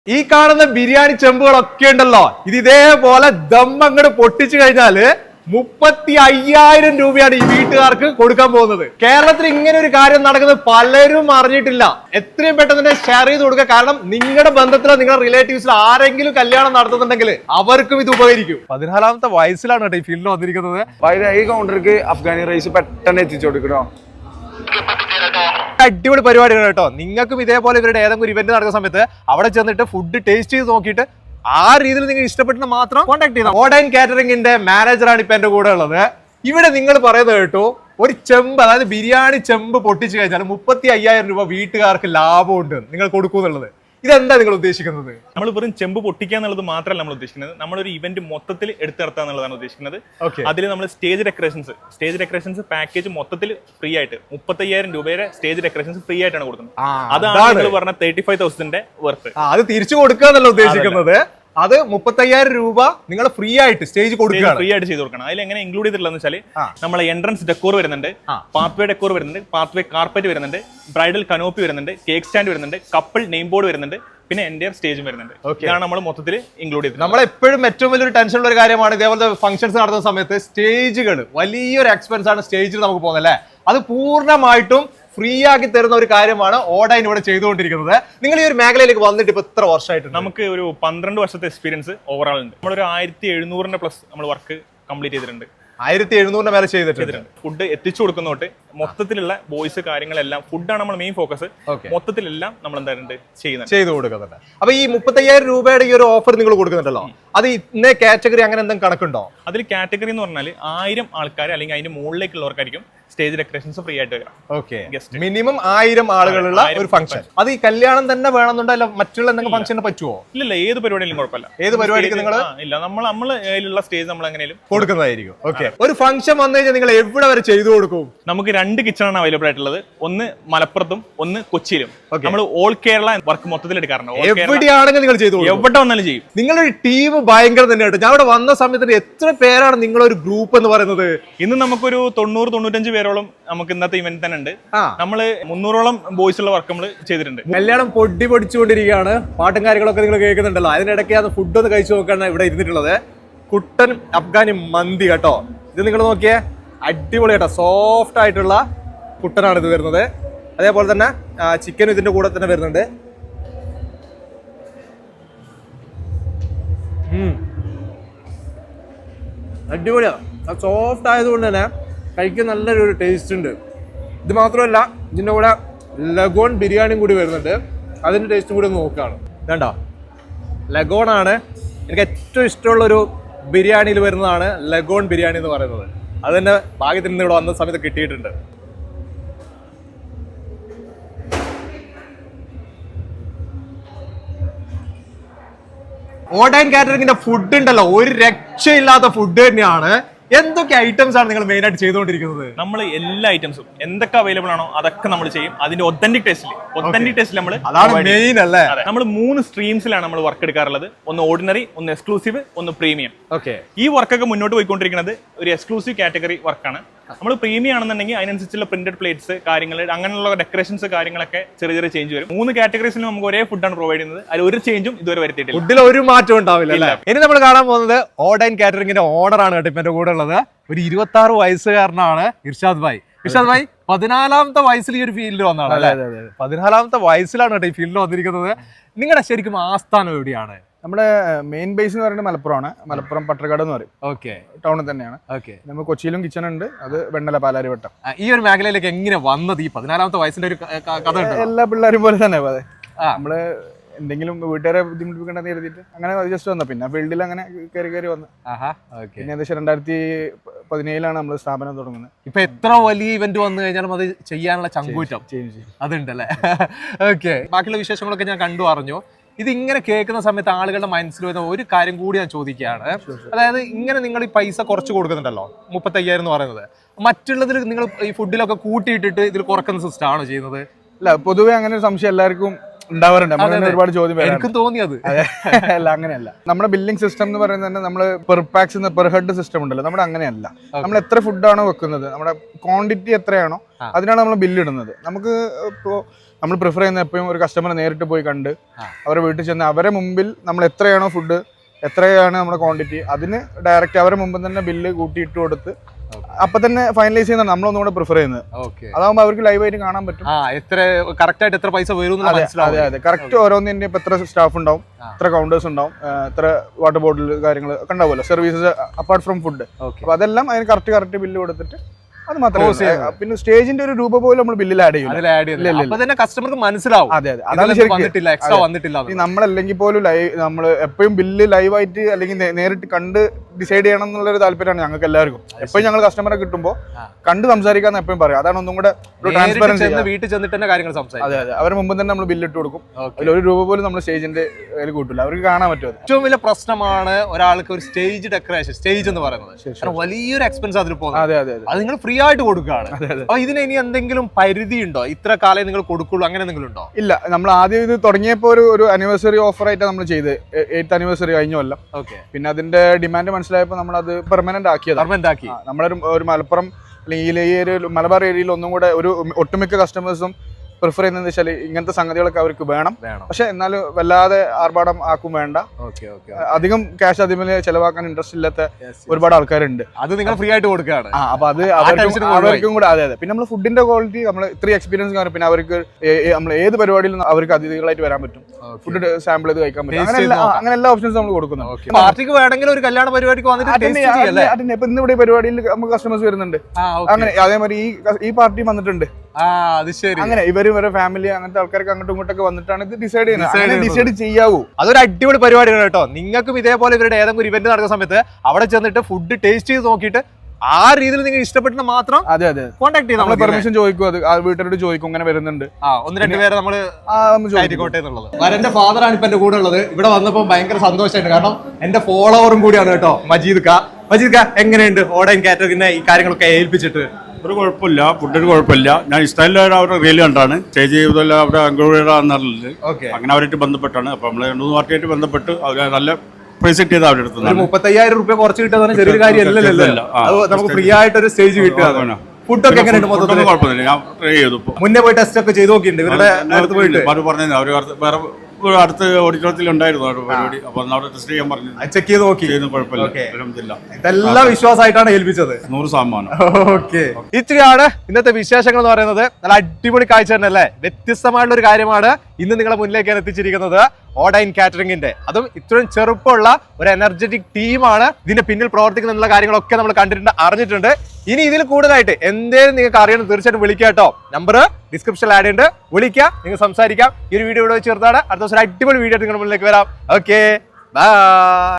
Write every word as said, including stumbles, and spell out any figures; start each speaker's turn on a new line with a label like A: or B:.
A: ഈ കാണുന്ന ബിരിയാണി ചെമ്പുകളൊക്കെ ഉണ്ടല്ലോ, ഇത് ഇതേപോലെ ദം അങ്ങോട്ട് പൊട്ടിച്ചു കഴിഞ്ഞാല് മുപ്പത്തി അയ്യായിരം രൂപയാണ് ഈ വീട്ടുകാർക്ക് കൊടുക്കാൻ പോകുന്നത്. കേരളത്തിൽ ഇങ്ങനെ ഒരു കാര്യം നടക്കുന്നത് പലരും അറിഞ്ഞിട്ടില്ല. എത്രയും പെട്ടെന്ന് തന്നെ ഷെയർ ചെയ്ത് കൊടുക്കുക. കാരണം നിങ്ങളുടെ ബന്ധത്തിലോ നിങ്ങളുടെ റിലേറ്റീവ്സിലോ ആരെങ്കിലും കല്യാണം നടത്തുന്നുണ്ടെങ്കിൽ അവർക്കും ഇത് ഉപകരിക്കും. പതിനാലാമത്തെ വയസ്സിലാണ് കേട്ടോ ഈ ഫീൽഡിൽ വന്നിരിക്കുന്നത്.
B: ഈ കൗണ്ടർക്ക് അഫ്ഗാനി റൈസ് പെട്ടെന്ന് എത്തിച്ചു കൊടുക്കണോ?
A: അടിപൊളി പരിപാടികൾ കേട്ടോ. നിങ്ങൾക്കും ഇതേപോലെ ഇവരുടെ ഏതെങ്കിലും ഒരു ഇവന്റ് നടക്കുന്ന സമയത്ത് അവിടെ ചെന്നിട്ട് ഫുഡ് ടേസ്റ്റ് ചെയ്ത് നോക്കിയിട്ട് ആ രീതിയിൽ നിങ്ങൾ ഇഷ്ടപ്പെട്ട് മാത്രം കോൺടാക്ട് ചെയ്യണം. ഓഡൈൻ കാറ്ററിംഗിന്റെ മാനേജറാണ് ഇപ്പൊ എന്റെ കൂടെ ഉള്ളത്. ഇവിടെ നിങ്ങൾ പറയുന്നത് കേട്ടോ, ഒരു ചെമ്പ്, അതായത് ബിരിയാണി ചെമ്പ് പൊട്ടിച്ചു കഴിഞ്ഞാൽ മുപ്പത്തി അയ്യായിരം രൂപ വീട്ടുകാർക്ക് ലാഭമുണ്ട് നിങ്ങൾ കൊടുക്കുന്നുള്ളത്. ഇതെന്താ നിങ്ങൾ ഉദ്ദേശിക്കുന്നത്?
C: നമ്മൾ വെറും ചെമ്പ് പൊട്ടിക്കുക എന്നുള്ളത് മാത്രമല്ല നമ്മൾ ഉദ്ദേശിക്കുന്നത്. നമ്മളൊരു ഇവന്റ് മൊത്തത്തിൽ എടുത്തു നടത്തുക എന്നുള്ളതാണ് ഉദ്ദേശിക്കുന്നത്. അതിൽ നമ്മൾ stage decorations stage decorations package മൊത്തത്തിൽ ഫ്രീ ആയിട്ട് മുപ്പത്തി അയ്യായിരം രൂപയുടെ സ്റ്റേജ് ഡെക്കറേഷൻസ് ഫ്രീ ആയിട്ടാണ് കൊടുക്കുന്നത്. അതാണ് നിങ്ങൾ പറഞ്ഞ തേർട്ടി ഫൈവ് തൗസൻഡിന്റെ വർത്ത്.
A: അത് തിരിച്ചു കൊടുക്കുക എന്നല്ല ഉദ്ദേശിക്കുന്നത്. അത് മുപ്പത്തി അയ്യായിരം രൂപ നിങ്ങൾ ഫ്രീ ആയിട്ട് സ്റ്റേജ് കൊടുക്കുക,
C: ഫ്രീ ആയിട്ട് ചെയ്ത് കൊടുക്കണം. അതിൽ എങ്ങനെ ഇൻക്ലൂഡ് ചെയ്തിട്ടുള്ളതെന്ന് വെച്ചാൽ നമ്മളെ എൻട്രൻസ് ഡെക്കോർ വരുന്നുണ്ട്, പാത്വേ ഡെക്കോർ വരുന്നുണ്ട്, പാത്വേ കാർപ്പറ്റ് വരുന്നുണ്ട്, ബ്രൈഡൽ കനോപ്പി വരുന്നുണ്ട്, കേക്ക് സ്റ്റാൻഡ് വരുന്നുണ്ട്, കപ്പിൾ നെയിം ബോർഡ് വരുന്നുണ്ട്, പിന്നെ എൻ്റെ സ്റ്റേജും വരുന്നുണ്ട്. ഇതാണ് നമ്മൾ മൊത്തത്തിൽ ഇൻക്ലൂഡ് ചെയ്തത്.
A: നമ്മൾ എപ്പോഴും ഏറ്റവും വലിയൊരു ടെൻഷൻ ഉള്ള ഒരു കാര്യമാണ് ഇതേപോലത്തെ ഫംഗ്ഷൻസ് നടത്തുന്ന സമയത്ത് സ്റ്റേജുകൾ വലിയൊരു എക്സ്പെൻസ് ആണ് സ്റ്റേജിൽ നമുക്ക് പോകുന്നത് അല്ലേ. അത് പൂർണ്ണമായിട്ടും ഫ്രീ ആക്കി തരുന്ന ഒരു കാര്യമാണ് ഓഡൈൻ ഇവിടെ ചെയ്തുകൊണ്ടിരിക്കുന്നത്. നിങ്ങൾ ഈ ഒരു മേഖലയിലേക്ക് വന്നിട്ട് ഇപ്പൊ എത്ര വർഷമായിട്ട്?
C: നമുക്ക് ഒരു പന്ത്രണ്ട് വർഷത്തെ എക്സ്പീരിയൻസ് ഓവറോൾ ഉണ്ട്. നമ്മളൊരു ആയിരത്തി എഴുന്നൂറിന്റെ പ്ലസ് നമ്മൾ വർക്ക് കംപ്ലീറ്റ് ചെയ്തിട്ടുണ്ട്.
A: ആയിരത്തി എഴുന്നൂറിന്റെ മേലെ ചെയ്തിട്ടുണ്ട്.
C: ഫുഡ് എത്തിച്ചു കൊടുക്കുന്നോട്ട് മൊത്തത്തിലുള്ള ബോയ്സ് കാര്യങ്ങളെല്ലാം ഫുഡാണ് നമ്മൾ മെയിൻ ഫോക്കസ്. മൊത്തത്തിലെല്ലാം നമ്മൾ എന്തായാലും ചെയ്യുന്നത്
A: ചെയ്തു കൊടുക്കുന്നുണ്ട്. അപ്പൊ ഈ മുപ്പത്തി അയ്യായിരം രൂപയുടെ ഈ ഒരു ഓഫർ നിങ്ങൾ കൊടുക്കുന്നുണ്ടല്ലോ, അത് ഇന്ന കാറ്റഗറി അങ്ങനെ എന്തെങ്കിലും കണക്കുണ്ടോ?
C: അതിൽ കാറ്റഗറി എന്ന് പറഞ്ഞാൽ ആയിരം ആൾക്കാർ അല്ലെങ്കിൽ അതിന്റെ മുകളിലേക്കുള്ളവർക്കായിരിക്കും സ്റ്റേജ് ഡെക്കറേഷൻസ് ഫ്രീ ആയിട്ട് വരാം.
A: ഓക്കെ, മിനിമം ആയിരം ആളുകളുള്ള ഒരു ഫംഗ്ഷൻ. അത് ഈ കല്യാണം തന്നെ വേണമെന്നുണ്ടോ, മറ്റുള്ള എന്തെങ്കിലും ഫംഗ്ഷന് പറ്റുമോ?
C: ഇല്ല, ഏത് പരിപാടിയിലും കുഴപ്പമില്ല.
A: ഏത് പരിപാടിക്ക് നിങ്ങൾ
C: ഇല്ല, നമ്മൾ നമ്മൾ അതിലുള്ള സ്റ്റേജ് നമ്മൾ എങ്ങനെയും
A: കൊടുക്കുന്നതായിരിക്കും. ഓക്കെ, ഒരു ഫംഗ്ഷൻ വന്നു കഴിഞ്ഞാൽ നിങ്ങൾ എവിടെ വരെ ചെയ്തു കൊടുക്കും?
C: നമുക്ക് രണ്ട് കിച്ചണാണ് അവൈലബിൾ ആയിട്ടുള്ളത്. ഒന്ന് മലപ്പുറത്തും ഒന്ന് കൊച്ചിയിലും. നമ്മൾ ഓൾ കേരള വർക്ക് മൊത്തത്തിൽ എടുക്കാറുണ്ട്.
A: എവിടെയാണെങ്കിൽ നിങ്ങൾ ചെയ്തു കൊടുക്കും,
C: എവിടെ വന്നാലും ചെയ്യും.
A: നിങ്ങളൊരു ടീം ഭയങ്കര തന്നെയായിട്ട്. ഞാൻ അവിടെ വന്ന സമയത്ത് എത്ര പേരാണ് നിങ്ങളൊരു ഗ്രൂപ്പ് എന്ന് പറയുന്നത്?
C: ഇന്ന് നമുക്കൊരു തൊണ്ണൂറ് തൊണ്ണൂറ്റഞ്ച് പേരോളം നമുക്ക് ഇന്നത്തെ ഇവന്റ് തന്നെ ഉണ്ട്. നമ്മള് മുന്നൂറോളം ബോയ്സ് ഉള്ള വർക്ക് നമ്മൾ ചെയ്തിട്ടുണ്ട്.
A: കല്യാണം പൊടി പൊടിച്ചുകൊണ്ടിരിക്കുകയാണ്. പാട്ടും കാര്യങ്ങളൊക്കെ നിങ്ങൾ കേൾക്കുന്നുണ്ടല്ലോ. അതിനിടയ്ക്ക് ഫുഡ് ഒന്ന് കഴിച്ചു നോക്കാണ് ഇവിടെ ഇരുന്നിട്ടുള്ളത്. കുട്ടൻ അഫ്ഗാനി മന്തി കേട്ടോ. ഇത് നിങ്ങൾ നോക്കിയേ, അടിപൊളി കേട്ടോ. സോഫ്റ്റ് ആയിട്ടുള്ള കുട്ടനാണ് ഇത് വരുന്നത്. അതേപോലെ തന്നെ ചിക്കനും ഇതിന്റെ കൂടെ തന്നെ വരുന്നുണ്ട്. അടിപൊളിയാണ്. സോഫ്റ്റ് ആയതുകൊണ്ട് തന്നെ കഴിക്കാൻ നല്ലൊരു ടേസ്റ്റ് ഉണ്ട്. ഇത് മാത്രമല്ല, ഇതിൻ്റെ കൂടെ ലഗോൺ ബിരിയാണിയും കൂടി വരുന്നുണ്ട്. അതിൻ്റെ ടേസ്റ്റും കൂടി നോക്കുകയാണ്. ഇതേണ്ടോ, ലഗോണാണ് എനിക്ക് ഏറ്റവും ഇഷ്ടമുള്ളൊരു ബിരിയാണിയിൽ വരുന്നതാണ് ലഗോൺ ബിരിയാണി എന്ന് പറയുന്നത്. അത് തന്നെ ഭാഗ്യത്തിൽ നിന്ന് ഇവിടെ വന്ന സമയത്ത് കിട്ടിയിട്ടുണ്ട്. ഓഡൈൻ കാറ്ററിംഗിന്റെ ഫുഡ് ഉണ്ടല്ലോ, ഒരു രക്ഷയില്ലാത്ത ഫുഡ് തന്നെയാണ്. എന്തൊക്കെ ഐറ്റംസ് ആണ് നിങ്ങൾ മെയിൻ ആയിട്ട് ചെയ്തുകൊണ്ടിരിക്കുന്നത്?
C: നമ്മൾ എല്ലാ ഐറ്റംസും എന്തൊക്കെ അവൈലബിൾ ആണോ അതൊക്കെ നമ്മൾ ചെയ്യും. അതിന്റെ ഒത്തന്റിക് ടേസ്റ്റിൽ ഒത്തന്റിക് ടേസ്റ്റിൽ നമ്മൾ
A: മെയിൻ അല്ലേ.
C: നമ്മൾ മൂന്ന് സ്ട്രീംസിലാണ് നമ്മൾ വർക്ക് എടുക്കാറുള്ളത്. ഒന്ന് ഓർഡിനറി, ഒന്ന് എക്സ്ക്ലൂസീവ്, ഒന്ന് പ്രീമിയം.
A: ഓക്കെ,
C: ഈ വർക്കൊക്കെ മുന്നോട്ട് പോയിക്കൊണ്ടിരിക്കുന്നത് ഒരു എക്സ്ക്ലൂസീവ് കാറ്റഗറി വർക്കാണ്. നമ്മൾ പ്രീമിയം ആണെന്നുണ്ടെങ്കിൽ അതിനനുസരിച്ചുള്ള പ്രിന്റഡ് പ്ലേറ്റ്സ് കാര്യങ്ങൾ, അങ്ങനെയുള്ള ഡെക്കറേഷൻസ് കാര്യങ്ങളൊക്കെ ചെറിയ ചെറിയ ചേഞ്ച് വരും. മൂന്ന് കാറ്റഗറീസിൽ നമുക്ക് ഒരേ ഫുഡാണ് പ്രൊവൈഡ് ചെയ്യുന്നത്. അതിൽ ഒരു ചേഞ്ചും ഇതുവരെ വരുത്തിയിട്ടില്ല.
A: ഫുഡിൽ ഒരു മാറ്റം ഉണ്ടാവില്ല. ഇനി നമ്മൾ കാണാൻ പോകുന്നത് ഓഡൈൻ കാറ്ററിംഗിന്റെ ഓണറാണ് കേട്ടോ ഇപ്പൊ എന്റെ കൂടെ ഉള്ളത്. ഒരു ഇരുപത്തി ആറ് വയസ്സുകാരനാണ് ഇർഷാദ് ഭായ്. ഇർഷാദ് ഭായ് പതിനാലാമത്തെ വയസ്സിൽ ഈ ഒരു ഫീൽഡിൽ വന്നതാണ് അല്ലേ? പതിനാലാമത്തെ വയസ്സിലാണ് കേട്ടോ ഈ ഫീൽഡിൽ വന്നിരിക്കുന്നത്. നിങ്ങളുടെ ശരിക്കും ആസ്ഥാനം എവിടെയാണ്?
B: നമ്മുടെ മെയിൻ ബേസ് എന്ന് പറയുന്നത് മലപ്പുറമാണ്. മലപ്പുറം പട്ടർക്കാട് എന്ന് പറയും.
A: ഓക്കെ,
B: ടൗണിൽ തന്നെയാണ്.
A: ഓക്കെ,
B: നമ്മൾ കൊച്ചിയിലും കിച്ചൺ ഉണ്ട്. അത് വെണ്ണല പാലാരിവട്ടം.
A: ഈ ഒരു മേഖലയിലേക്ക് എങ്ങനെ വന്നത്? ഈ പതിനാലാമത്തെ വയസ്സിന്റെ ഒരു കഥ ഉണ്ട്.
B: എല്ലാ പിള്ളേരും പോലെ തന്നെ അതെ. നമ്മള് എന്തെങ്കിലും വീട്ടുകാരെ ബുദ്ധിമുട്ടിപ്പിക്കണ്ടെന്ന് എഴുതിയിട്ട് അങ്ങനെ ജസ്റ്റ് വന്ന പിന്നെ ഫീൽഡിൽ അങ്ങനെ കയറി കയറി വന്നു. പിന്നെ ഏകദേശം രണ്ടായിരത്തി പതിനേഴിലാണ് നമ്മൾ സ്ഥാപനം തുടങ്ങുന്നത്.
A: ഇപ്പൊ എത്ര വലിയ ഇവന്റ് വന്നു കഴിഞ്ഞാലും അത് ചെയ്യാനുള്ള ചങ്കൂറ്റം അതുണ്ടല്ലേ? ഓക്കെ, ബാക്കിയുള്ള വിശേഷങ്ങളൊക്കെ ഞാൻ കണ്ടു അറിഞ്ഞു. ഇത് ഇങ്ങനെ കേൾക്കുന്ന സമയത്ത് ആളുകളുടെ മനസ്സിൽ വരുന്ന ഒരു കാര്യം കൂടി ഞാൻ ചോദിക്കുകയാണ്. അതായത് ഇങ്ങനെ നിങ്ങൾ ഈ പൈസ കുറച്ച് കൊടുക്കുന്നുണ്ടല്ലോ, മുപ്പത്തി അയ്യായിരം എന്ന് പറയുന്നത്, മറ്റുള്ളതിൽ നിങ്ങൾ ഈ ഫുഡിലൊക്കെ കൂട്ടിയിട്ടിട്ട് ഇതിൽ കുറക്കുന്ന സിസ്റ്റം ആണോ ചെയ്യുന്നത്?
B: അല്ല, പൊതുവെ അങ്ങനെ ഒരു സംശയം എല്ലാവർക്കും ഉണ്ടാവാറുണ്ട്. ഒരുപാട് ചോദ്യം
A: എനിക്കും തോന്നിയത്
B: അല്ല, അങ്ങനെയല്ല. നമ്മുടെ ബില്ലിംഗ് സിസ്റ്റം എന്ന് പറയുന്നത് തന്നെ നമ്മൾ per pax per head system ഉണ്ടല്ലോ, നമ്മുടെ അങ്ങനെയല്ല. നമ്മൾ എത്ര ഫുഡാണോ വെക്കുന്നത്, നമ്മുടെ ക്വാണ്ടിറ്റി എത്രയാണോ അതിനാണ് നമ്മൾ ബില്ല് ഇടുന്നത്. നമുക്ക് ഇപ്പോൾ നമ്മൾ പ്രിഫർ ചെയ്യുന്ന എപ്പോഴും ഒരു കസ്റ്റമറെ നേരിട്ട് പോയി കണ്ട് അവരെ വീട്ടിൽ ചെന്ന് അവരെ മുമ്പിൽ നമ്മൾ എത്രയാണോ ഫുഡ് എത്രയാണ് നമ്മുടെ ക്വാണ്ടിറ്റി അതിന് ഡയറക്റ്റ് അവരെ മുമ്പ് തന്നെ ബില്ല് കൂട്ടിയിട്ട് കൊടുത്ത് അപ്പൊ തന്നെ ഫൈനലൈസ് ചെയ്യുന്ന നമ്മളൊന്നും കൂടെ പ്രിഫർ ചെയ്യുന്നത്. അതാകുമ്പോൾ അവർക്ക് ലൈവായിട്ട് കാണാൻ പറ്റും
A: എത്ര കറക്റ്റ് ആയിട്ട് എത്ര പൈസ വരും.
B: അതെ അതെ കറക്റ്റ് ഓരോന്നിന്റെ ഇപ്പൊ എത്ര സ്റ്റാഫ് ഉണ്ടാവും, എത്ര കൗണ്ടേഴ്സ് ഉണ്ടാവും, എത്ര വാട്ടർ ബോട്ടിൽ കാര്യങ്ങൾ ഒക്കെ ഉണ്ടാവുമല്ലോ, സർവീസസ് അപ്പാർട്ട് ഫ്രം ഫുഡ്. അപ്പൊ അതെല്ലാം അതിന് കറക്റ്റ് കറക്റ്റ് ബില്ല് കൊടുത്തിട്ട് അത് മാത്രമേ. പിന്നെ സ്റ്റേജിന്റെ ഒരു രൂപ പോലും നമ്മൾ ബില്ലിൽ ആഡ് ചെയ്യും.
A: കസ്റ്റമർക്ക് മനസ്സിലാവും.
B: അതെ അതെ അതാണ് നമ്മളല്ലെങ്കിൽ പോലും ലൈവ് നമ്മൾ എപ്പോഴും ബില്ല് ലൈവായിട്ട് അല്ലെങ്കിൽ നേരിട്ട് കണ്ട് ഡിസൈഡ് ചെയ്യണം എന്നുള്ളൊരു താല്പര്യമാണ് ഞങ്ങൾക്ക് എല്ലാവർക്കും. എപ്പോഴും ഞങ്ങൾ കസ്റ്റമറെ കിട്ടുമ്പോൾ കണ്ട് സംസാരിക്കാന്ന് എപ്പോഴും പറയും. അതാണ് ഒന്നും കൂടെ ഒരു ട്രാൻസ്പെറൻസി.
A: വീട്ടിൽ ചെന്നിട്ട് തന്നെ കാര്യങ്ങൾ സംസാരിക്കും.
B: അതെ അതെ അവരുടെ മുമ്പ് തന്നെ നമ്മൾ ബില്ല് ഇട്ട് കൊടുക്കും. അതിൽ ഒരു രൂപ പോലും നമ്മൾ സ്റ്റേജിന്റെ കയ്യിൽ കൂട്ടില്ല, അവർക്ക് കാണാൻ പറ്റും.
A: ഏറ്റവും വലിയ പ്രശ്നമാണ് ഒരാൾക്ക് ഒരു സ്റ്റേജ് ഡെക്കറേഷൻ, സ്റ്റേജ് എന്ന് പറയുന്നത് വലിയൊരു എക്സ്പെൻസ് അതിൽ പോകുന്നത്.
B: അതെ അതെ
A: അത് നിങ്ങൾ ഫ്രീ ആയിട്ട് കൊടുക്കുകയാണ്. അപ്പൊ ഇതിന് ഇനി എന്തെങ്കിലും പരിധി ഉണ്ടോ? ഇത്ര കാലം നിങ്ങൾ കൊടുക്കുള്ളൂ അങ്ങനെ എന്തെങ്കിലും ഉണ്ടോ?
B: ഇല്ല, നമ്മൾ ആദ്യം ഇത് തുടങ്ങിയപ്പോൾ ഒരു ഒരു ആനിവേഴ്സറി ഓഫർ ആയിട്ട് നമ്മൾ ചെയ്ത് എയ്ത്ത് ആനിവേഴ്സറി കഴിഞ്ഞ കൊല്ലം. പിന്നെ അതിന്റെ ഡിമാൻഡ് മനസ്സിലായപ്പോൾ നമ്മൾ അത് പെർമനന്റ് ആക്കിയത്.
A: പെർമനന്റ് ആക്കി
B: നമ്മളൊരു ഒരു മലപ്പുറം അല്ലെങ്കിൽ ഈ ഒരു മലബാർ ഏരിയയിൽ ഒന്നും കൂടെ ഒരു ഒട്ടുമിക്ക കസ്റ്റമേഴ്സും പ്രിഫർ ചെയ്യുന്നത് വെച്ചാൽ ഇങ്ങനത്തെ സംഗതികളൊക്കെ അവർക്ക് വേണം. പക്ഷെ എന്നാലും വല്ലാതെ ആർഭാടം ആക്കും വേണ്ട, അധികം ക്യാഷ് അതിൽ ചെലവാക്കാൻ ഇൻട്രസ്റ്റ് ഇല്ലാത്ത ഒരുപാട് ആൾക്കാരുണ്ട്.
A: അത് നിങ്ങൾ ഫ്രീ ആയിട്ട് കൊടുക്കുകയാണ്.
B: അപ്പൊ അത് അവർക്കും അവർക്കും കൂടെ. അതെ അതെ പിന്നെ നമ്മൾ ഫുഡിന്റെ ക്വാളിറ്റി നമ്മൾ ഇത്രയും എക്സ്പീരിയൻസ് കാണും. പിന്നെ അവർക്ക് നമ്മൾ ഏത് പരിപാടിയിലും അവർക്ക് അതിഥികളായിട്ട് വരാൻ പറ്റും, ഫുഡ് സാമ്പിൾ ചെയ്ത് കഴിക്കാൻ പറ്റും. അങ്ങനെ അങ്ങനെ എല്ലാ ഓപ്ഷൻസും നമ്മൾ കൊടുക്കുന്നുണ്ട്.
A: പാർട്ടിക്ക് വേണമെങ്കിൽ ഒരു കല്യാണ പരിപാടിക്ക് വന്നിട്ട്
B: ഇപ്പൊ ഇന്ന് ഇവിടെ പരിപാടിയിൽ നമുക്ക് കസ്റ്റമേഴ്സ് വരുന്നുണ്ട്. അങ്ങനെ അതേമാതിരി ഈ ഈ പാർട്ടി വന്നിട്ടുണ്ട്. അങ്ങനെ ഇവര് ഇവരെ ഫാമിലി അങ്ങനത്തെ ആൾക്കാർക്ക് അങ്ങോട്ടും ഇങ്ങോട്ടൊക്കെ വന്നിട്ടാണ് ഇത് ഡിസൈഡ് ചെയ്യുന്നത്. ഡിസൈഡ് ചെയ്യാവൂ.
A: അതൊരു അടിപൊളി പരിപാടിയാണ് കേട്ടോ. നിങ്ങൾക്കും ഇതേപോലെ ഇവരുടെ ഏതെങ്കിലും ഒരു ഇവന്റ് നടക്കുന്ന സമയത്ത് അവിടെ ചെന്നിട്ട് ഫുഡ് ടേസ്റ്റ് ചെയ്ത് നോക്കിയിട്ട് ആ രീതിയിൽ നിങ്ങൾ ഇഷ്ടപ്പെട്ട മാത്രം
B: അതെ അതെ
A: കോൺടാക്ട് ചെയ്ത് നമ്മൾ
B: പെർമിഷൻ ചോദിക്കും. അത് വീട്ടുകാരോട് ചോദിക്കും ഇങ്ങനെ വരുന്നുണ്ട്.
A: ആ ഒന്ന് രണ്ട് പേരെ നമ്മള് ആയിക്കോട്ടെ എന്നുള്ളത്. വരന്റെ ഫാദറാണ് ഇപ്പൊ എന്റെ കൂടെ ഉള്ളത്. ഇവിടെ വന്നപ്പോ ഭയങ്കര സന്തോഷമായിട്ട്, കാരണം എന്റെ ഫോളോവറും കൂടിയാണ് കേട്ടോ മജീദ് ക. മജീദ് ക എങ്ങനെയുണ്ട് ഓൺലൈൻ കാറ്ററിംഗിനെ ഈ കാര്യങ്ങളൊക്കെ ഏൽപ്പിച്ചിട്ട്?
D: ഒരു കുഴപ്പമില്ല, ഫുഡിന് കുഴപ്പമില്ല. ഞാൻ ഇൻസ്റ്റാഗ്രാമിൽ അവരുടെ റീൽ കണ്ടാണ് സ്റ്റേജ് ചെയ്തല്ല അവിടെ അംഗീകാരമുള്ളത്. അങ്ങനെ അവരായിട്ട് ബന്ധപ്പെട്ടാണ്. അപ്പൊ നമ്മള് രണ്ടു മൂന്ന് പാർട്ടിയായിട്ട് ബന്ധപ്പെട്ട് അവർ നല്ല പ്രൈസ് കിട്ടിയത് അവരുടെ അടുത്ത്.
A: മുപ്പത്തയ്യായിരം റുപ്യ കുറച്ച് കിട്ടുന്ന ചെറിയൊരു കാര്യമല്ലല്ലോ. നമുക്ക് ഫ്രീ ആയിട്ട് ഒരു സ്റ്റേജ് കിട്ടുക. ഫുഡൊക്കെ എങ്ങനെയുണ്ട്? മൊത്തത്തിൽ
D: കുഴപ്പമില്ല. ഞാൻ ട്രൈ ചെയ്തു.
A: മുന്നേ പോയി ടെസ്റ്റ് ഒക്കെ ചെയ്ത് നോക്കിയിട്ടുണ്ട് ഇവരുടെ അടുത്ത് പോയിട്ട്.
D: പറഞ്ഞു അവർ വേറെ അടുത്ത ഓഡിറ്റോറിയത്തിൽ ഉണ്ടായിരുന്നു പരിപാടി. അപ്പൊ അവിടെ ടെസ്റ്റ് ചെയ്യാൻ പറഞ്ഞു,
A: ചെക്ക് ചെയ്ത് നോക്കി.
D: കുഴപ്പമില്ല.
A: ഇതെല്ലാം വിശ്വാസമായിട്ടാണ് ഏൽപ്പിച്ചത്.
D: നൂറ് ശതമാനം.
A: ഓക്കെ, ഇത്രയാണ് ഇന്നത്തെ വിശേഷങ്ങൾ എന്ന് പറയുന്നത്. നല്ല അടിപൊളി കാഴ്ച തന്നെ അല്ലേ? വ്യത്യസ്തമായിട്ടുള്ള ഒരു കാര്യമാണ് ഇന്ന് നിങ്ങളെ മുന്നിലേക്ക് ഞാൻ എത്തിച്ചിരിക്കുന്നത്. ഓഡൈൻ കാറ്ററിംഗിന്റെ, അതും ഇത്രയും ചെറുപ്പമുള്ള ഒരു എനർജറ്റിക് ടീമാണ് ഇതിന്റെ പിന്നിൽ പ്രവർത്തിക്കുന്ന കാര്യങ്ങളൊക്കെ നമ്മൾ കണ്ടിട്ടുണ്ട്, അറിഞ്ഞിട്ടുണ്ട്. ഇനി ഇതിൽ കൂടുതലായിട്ട് എന്തേലും നിങ്ങൾക്ക് അറിയണം തീർച്ചയായിട്ടും വിളിക്കുക കേട്ടോ. നമ്പർ ഡിസ്ക്രിപ്ഷനിൽ ആഡ് ഉണ്ട്, വിളിക്കുക, നിങ്ങൾ സംസാരിക്കാം. ഈ ഒരു വീഡിയോ ഇവിടെ ചേർത്താണ്. അടുത്ത ദിവസം അടിപൊളി വീഡിയോ നിങ്ങളുടെ മുന്നിലേക്ക് വരാം. Okay, by.